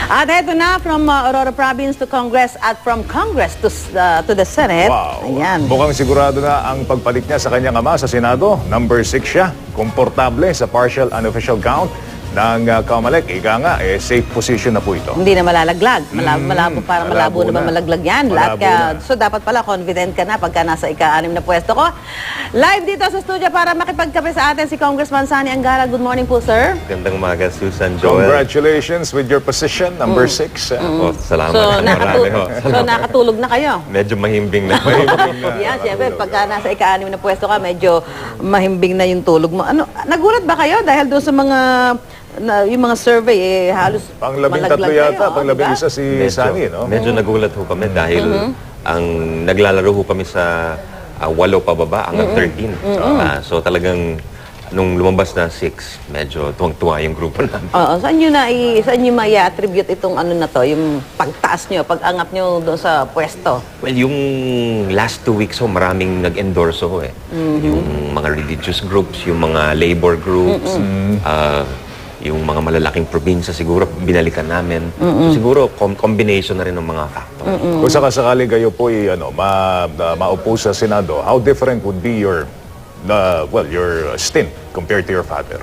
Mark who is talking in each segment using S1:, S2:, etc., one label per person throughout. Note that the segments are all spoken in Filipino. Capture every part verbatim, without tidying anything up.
S1: At eto na, from uh, Aurora Province to Congress at from Congress to, uh, to the Senate.
S2: Wow.
S1: Ayan.
S2: Mukhang sigurado na ang pagpalit niya sa kanyang ama sa Senado. Number six siya. Komportable sa partial unofficial count ng uh, Comelec. Ika nga, eh, safe position na po ito.
S1: Hindi na malalaglag. Malabo,
S2: Mm,
S1: malabo, parang malabo,
S2: malabo
S1: naman
S2: na.
S1: malaglag yan.
S2: Malabo
S1: Lahat ka,
S2: na.
S1: so dapat pala confident ka na pagka nasa ika-anim na pwesto ko. Live dito sa studio para makipagkape sa atin si Congressman Sani Angara. Good morning po, sir.
S3: Gandang umaga, Susan, Joel.
S2: Congratulations with your position, number six. uh,
S3: Oh, salamat.
S1: So,
S3: Marami
S1: nakatu-
S3: ho.
S1: so nakatulog na kayo.
S3: Medyo mahimbing na.
S1: Yan, siyempre, pagka nasa ika-anim na pwesto ka, medyo mahimbing na yung tulog mo. Ano, nagulat ba kayo dahil doon sa mga, na, yung mga survey, eh, halos
S2: Panglabing
S1: malaglag
S2: tatlo
S1: kayo,
S2: yata,
S1: oh,
S2: panglabing
S1: diba?
S2: isa si
S3: medyo,
S2: Sani, no?
S3: medyo nagulat ho kami dahil ang naglalaro ho kami sa ah, walo pababa hanggang thirteen. Ah, so talagang nung lumabas na six, medyo tuwang-tuwa yung grupo namin.
S1: Oo, saan nyo na, i- saan nyo ma-attribute itong ano na to, yung pagtaas nyo, pag-angat nyo doon sa pwesto?
S3: Well, yung last two weeks ho, maraming nag-endorse ho eh. Yung mga religious groups, yung mga labor groups, ah, yung mga malalaking probinsya siguro binalikan namin. So, siguro com- combination na rin ng mga factors.
S2: Kung sakasakali kayo po ay, ano, ma, uh, maupo sa Senado, how different would be your, uh, well, your stint compared to your father?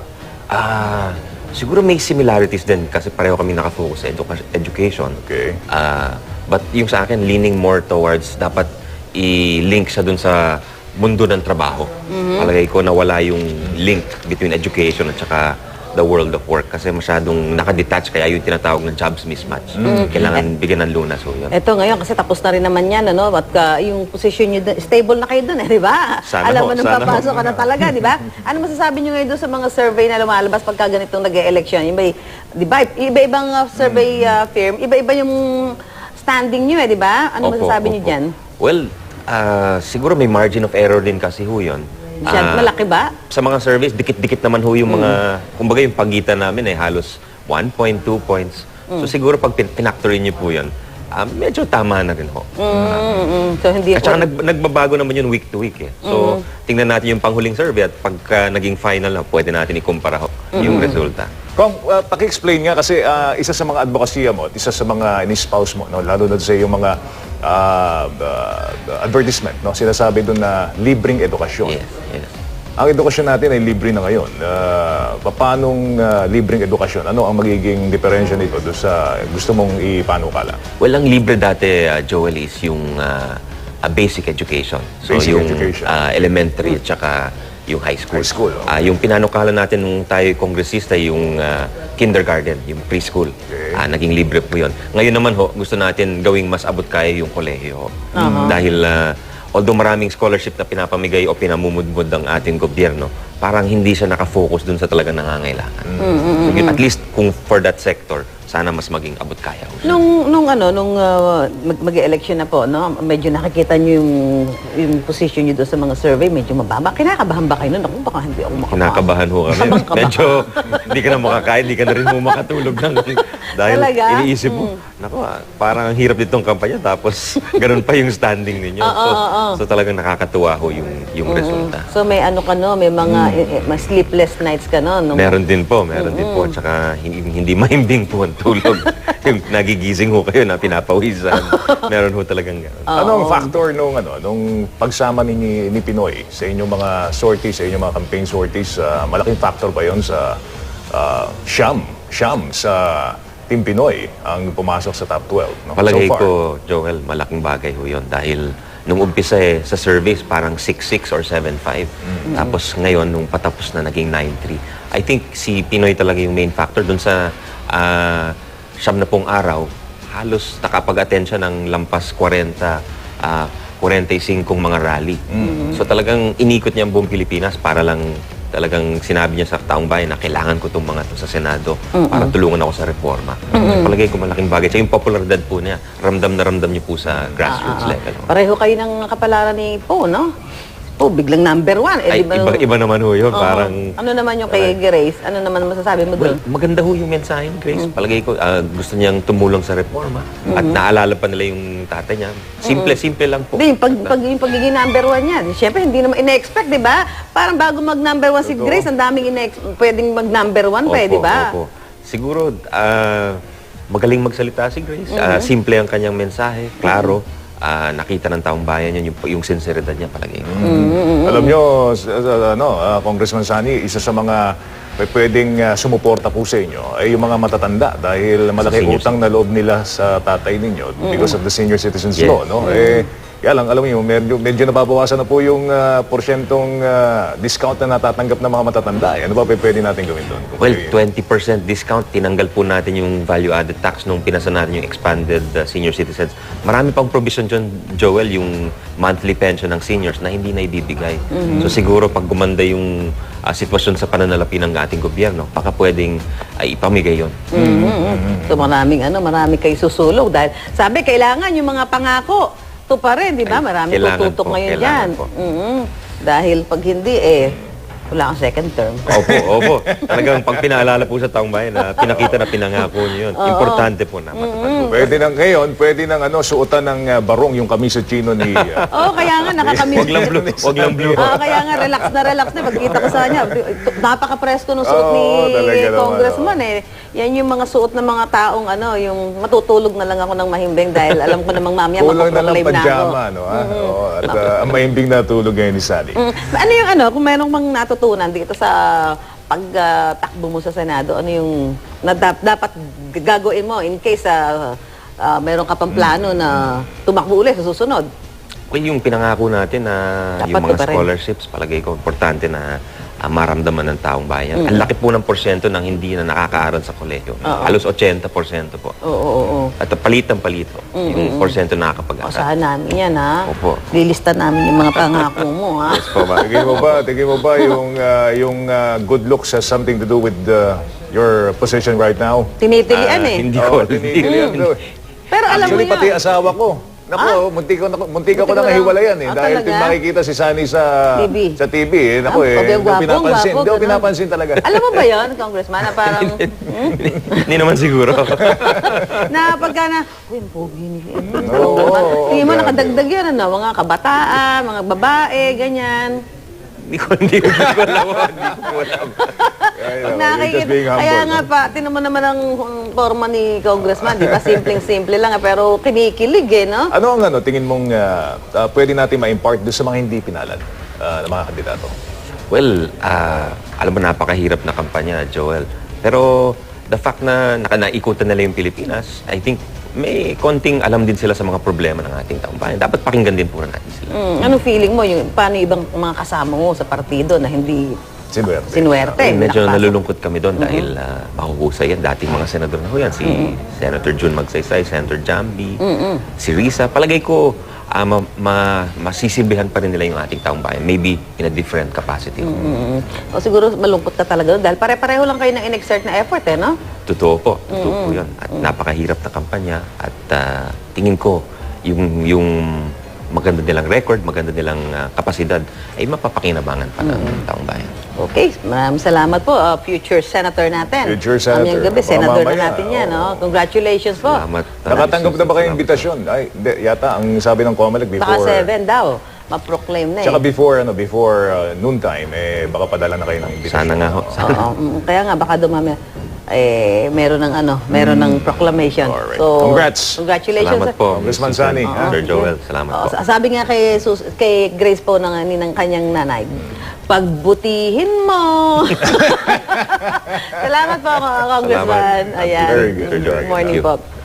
S3: Ah, siguro may similarities din kasi pareho kami nakafocus sa educa- education.
S2: Okay.
S3: Ah, but yung sa akin leaning more towards dapat i-link siya dun sa mundo ng trabaho. Palagay ko na wala yung link between education at saka the world of work kasi masyadong nakadetach kaya yung tinatawag na jobs mismatch. Kailangan bigyan ng lunas ho yun.
S1: Ito ngayon, kasi tapos na rin naman yan, ano? At ka, yung position nyo, dun- stable na kayo doon, eh, di ba?
S3: Sana
S1: Alam
S3: ho,
S1: mo nung
S3: sana ho.
S1: papasok ka na talaga, di ba? Ano masasabi nyo ngayon doon sa mga survey na lumalabas pagka ganitong nag-e-election? Iba, di ba? Iba-ibang uh, survey uh, firm, iba-iba yung standing nyo, eh, di ba? Ano
S3: Opo,
S1: masasabi nyo
S3: opo.
S1: dyan?
S3: Well, ah, siguro may margin of error din kasi ho yun.
S1: Siya,
S3: Ah,
S1: malaki ba?
S3: Sa mga surveys, dikit-dikit naman ho yung mga, kumbaga yung pagitan namin ay halos one point, two points. So siguro pag pin- pinactorin niyo po yun, ah, medyo tama na rin ho.
S1: Mm-mm. So, hindi
S3: At
S1: po.
S3: saka nag, nagbabago naman yun week to week eh. So tingnan natin yung panghuling survey at pagka naging final na, pwede natin ikumpara ho yung resulta.
S2: Kung uh, paki-explain nga kasi uh, isa sa mga advokasya mo at isa sa mga in-spouse mo, no, lalo na sa yung mga uh, uh, advertisement, no, sinasabi doon na libreng edukasyon.
S3: Yes, yes.
S2: Ang edukasyon natin ay libre na ngayon. Uh, paanong uh, libreng edukasyon? Ano ang magiging diferensya nito doon sa gusto mong ipanukala?
S3: Well, ang libre dati, uh, Joel, is yung uh, a basic education. So
S2: Basic
S3: yung
S2: education.
S3: uh, elementary at saka yung high school.
S2: High school, oh.
S3: Ah, yung pinanukala natin nung tayo kongresista, yung ah, kindergarten, yung preschool.
S2: Okay.
S3: Ah, naging libre po yun. Ngayon naman ho, gusto natin gawing mas abot kaya yung kolehiyo. ho. Dahil ah, although maraming scholarship na pinapamigay o pinamumudmud ng ating gobyerno, parang hindi siya nakafocus dun sa talagang nangangailangan. So, at least kung for that sector, sana mas maging abot kaya. ho siya.
S1: Nung, nung ano, nung uh, mag- mag-election na po, no, medyo nakikita nyo yung, yung position nyo doon sa mga survey, medyo mababa. Kinakabahan ba kayo nun? Ako, baka hindi ako makapasok.
S3: Kinakabahan ho kami.
S1: Kabang ka ba?
S3: Medyo hindi ka na makakain, hindi ka na rin mo makatulog na. Dahil
S1: Talaga?
S3: iniisip mo, naku, ah, parang ang hirap ditong kampanya tapos ganun pa yung standing ninyo. so, so talagang nakakatuwa ho yung, yung resulta.
S1: So may ano ka no, may mga eh, eh, mga sleepless nights ka no? Nung,
S3: Meron din po, meron din po. Tsaka hindi, hindi mahimbing po ang tulog. Yung nagigising ho kayo na pinapawisan. Meron ho talagang gano'n.
S2: Ano ang factor nung ano nung pagsama ni ni Pinoy sa inyong mga sorties, sa inyong mga campaign sorties, ah, malaking factor ba 'yon sa uh, siyam, siyam sa Team Pinoy ang pumasok sa top twelve, no?
S3: Palagay
S2: So far.
S3: ko, Joel, malaking bagay ho yun. Dahil nung umpisa eh, sa surveys, parang six six or seven five. Tapos ngayon, nung patapos na, naging nine three. I think si Pinoy talaga yung main factor dun sa ah, siyam na pong araw, halos nakapag-attend siya ng lampas forty, ah, forty-five mga rally. So talagang inikot niya ang buong Pilipinas para lang talagang sinabi niya sa taong bayan na kailangan ko itong mga to sa Senado para tulungan ako sa reforma. Palagay ko malaking bagay. Sa yung popularidad po niya, ramdam na ramdam niyo po sa grassroots level.
S1: pareho kayo ng kapalaran ni Po, no? Po, biglang number one. Eh,
S3: Ay,
S1: di ba
S3: iba,
S1: nung-
S3: iba naman ho yun.
S1: Oo.
S3: Parang,
S1: Ano naman yung kay Grace? Ano naman masasabi mo
S3: well,
S1: doon?
S3: maganda ho yung mensahe ni Grace. Palagay ko, ah, gusto niyang tumulong sa reforma. At naalala pa nila yung tatay niya. Simple, simple lang po.
S1: Hindi, yung, pag, pag, yung pagiging number one niya, siyempre hindi naman ina-expect, di ba? Parang bago mag-number one si Grace, ang daming ina pwedeng mag-number one pa, eh,
S3: Opo,
S1: di ba?
S3: opo. Siguro, ah, magaling magsalita si Grace. Ah, simple ang kanyang mensahe, klaro. Ah, nakita ng taong bayan yun, yung, yung sinseridad niya palagi.
S2: Alam nyo, s- s- ano, ah, Congressman Sani, isa sa mga p- pwedeng ah, sumuporta po sa inyo ay yung mga matatanda dahil malaki
S3: seniors.
S2: utang na loob nila sa tatay ninyo because of the Senior Citizens
S3: Yes.
S2: Law. No? Eh, kaya lang, alam niyo, medyo, medyo nababawasan na po yung ah, porsyentong ah, discount na natatanggap ng mga matatanda. Eh, ano ba p- pwede natin gawin doon? Kung
S3: Well,
S2: may-
S3: twenty percent discount. Tinanggal po natin yung value-added tax nung pinasa natin yung expanded uh, senior citizens. Marami pang provision dyan, Joel, yung monthly pension ng seniors na hindi na ibibigay. So siguro pag gumanda yung uh, sitwasyon sa pananalapi ng ating gobyerno, baka pwedeng ay ipamigay yun.
S1: So maraming ano, marami kayo susulog dahil sabi kailangan yung mga pangako to pa rin, di ba?
S3: Ay,
S1: Marami
S3: kailangan
S1: tututok
S3: po,
S1: ngayon
S3: kailangan
S1: diyan.
S3: po.
S1: Dahil pag hindi eh wala kang second term.
S3: Opo, opo. Talagang pag pinaalala po sa taong bayan na pinakita na pinangako niyo yun. Importante po na matupad po.
S2: Pwede nang ngayon, pwede nang ano, suotan ng ah, barong yung kamisa chino ni... ah,
S1: Oo, kaya nga nakakamiss.
S3: Wag lang blue, wag lang blue.
S1: Ah, kaya nga relax na relax na pagkita ko sa kanya. Napaka-presko ng suot
S2: Oo,
S1: ni
S2: talaga naman,
S1: Congressman eh. Yan yung mga suot ng mga taong ano, yung matutulog na lang ako ng mahimbing dahil alam ko namang mamaya
S2: Kulang na lang
S1: mapaproclaim na ako.
S2: pajama, no? Ha? Oo, at ah, ang mahimbing na tulog ngayon ni Sally.
S1: Mm. Ano yung ano, kung merong mang natutunan dito sa pagtakbo mo sa Senado, ano yung na dap- dapat gagawin mo in case ah, ah, meron ka pang plano na tumakbo ulit sa susunod?
S3: Well, yung pinangako natin na
S1: Dapat
S3: yung mga
S1: ko pa rin.
S3: scholarships, palagay ko, importante na ah, maramdaman ng taong bayan. Ang laki po ng porsyento ng hindi na nakakaaral sa kolehiyo. Halos eighty percent po.
S1: Oo, oo, oo.
S3: At palitan-palito yung porsyento na
S1: O,
S3: nakakapag-aral.
S1: saan namin yan, ha?
S3: Opo.
S1: Lilista namin yung mga pangako mo, ha?
S2: Pa ba? Tingin mo ba, tingin mo ba yung, ah, yung ah, good looks has something to do with ah, your position right now?
S1: Tinitilian,
S3: Ah,
S1: eh.
S3: Hindi
S2: Oo,
S3: ko.
S2: tinitilian daw.
S1: Pero alam mo
S2: Actually, pati
S1: yun.
S2: asawa ko. Naku, munti ko, na- munti ko
S1: Muntik
S2: ko
S1: mo
S2: nang
S1: lang-
S2: hiwalayan eh.
S1: Ah,
S2: dahil
S1: talaga?
S2: pag makikita si Sunny sa
S1: T V.
S2: sa T V eh. Naku
S1: Ah,
S2: eh,
S1: pag
S2: hindi ko
S1: gwapo,
S2: pinapansin.
S1: gwapo,
S2: Hindi ko
S1: ganun.
S2: pinapansin talaga.
S1: Alam mo ba yun, Congressman, na parang,
S3: Hindi naman siguro.
S1: na pagka na, uy, ang pogi ni
S2: Oo, oo,
S1: Tingin mo,
S2: grabe.
S1: nakadagdag yan, ano, mga kabataan, mga babae, ganyan.
S3: Hindi ko, hindi ko hindi ko alam. Hindi ko alam.
S2: Ay,
S1: Pag
S2: naku, you're just
S1: nakikita,
S2: being humble,
S1: kaya nga
S2: no?
S1: pa, tinan mo naman ang um, forma ni Congressman, di ba? Simpleng-simple lang, eh, pero kinikilig eh, no?
S2: Ano ang ano, tingin mong ah, ah, pwede natin ma-impart doon sa mga hindi pinalad ah, ng mga kandidato?
S3: Well, ah, alam mo, napakahirap na kampanya, Joel. Pero the fact na naka- naikutan nila yung Pilipinas, I think may konting alam din sila sa mga problema ng ating taong bayan. Dapat pakinggan din po natin sila.
S1: Mm, anong feeling mo, yung, paano yung ibang mga kasama mo sa partido na hindi
S2: Sinuwerte.
S1: sinuwerte?
S3: Eh, medyo
S1: nakapasok?
S3: nalulungkot kami doon dahil uh, mahuhusay yan. Dating mga senador na ho yan. Si Senator June Magsaysay, Senator Jambi, si Risa. Palagay ko, ah, ma- ma- masisibihan pa rin nila yung ating taong bayan. Maybe in a different capacity.
S1: Mm. O siguro malungkot ka talaga doon dahil pare-pareho lang kayo ng in-exert na effort eh, no?
S3: Totoo po. Totoo po yun. At napakahirap na kampanya. At ah, tingin ko, yung, yung maganda nilang record, maganda nilang ah, kapasidad, ay mapapakinabangan pa ng taong bayan.
S1: Okay, maraming salamat po, uh, future senator natin.
S2: Future senator.
S1: Mamayang gabi,
S2: Baka
S1: senador na
S2: mamaya,
S1: natin yan,
S2: oo.
S1: no? Congratulations po.
S3: Salamat.
S2: Nakatanggap na ba kayo
S3: Salamat.
S2: imbitasyon? Ay, hindi, yata, ang sabi ng Comelec
S1: Baka
S2: before...
S1: seven daw, ma-proclaim na eh.
S2: Tsaka before, ano, before uh, noontime, eh, baka padala na kayo ng imbitasyon.
S3: Sana nga ho. Sana.
S1: Oo, mm, kaya nga, baka dumami. Eh, meron ng ano, meron ng proclamation.
S2: Alright.
S1: So,
S2: Congrats.
S1: Congratulations.
S3: Salamat po.
S2: Congressman Sani,
S3: Sir
S2: ha?
S3: Sir Joel, salamat
S1: Oo,
S3: po.
S1: sa- sabi nga kay, Sus- kay Grace po ng, ni- ng kanyang nanay, pagbutihin mo. Salamat po, Congressman.
S3: Salamat.
S1: Ayan.
S2: Very good.
S3: Sir Joel.
S1: Morning
S3: Thank you.
S1: po.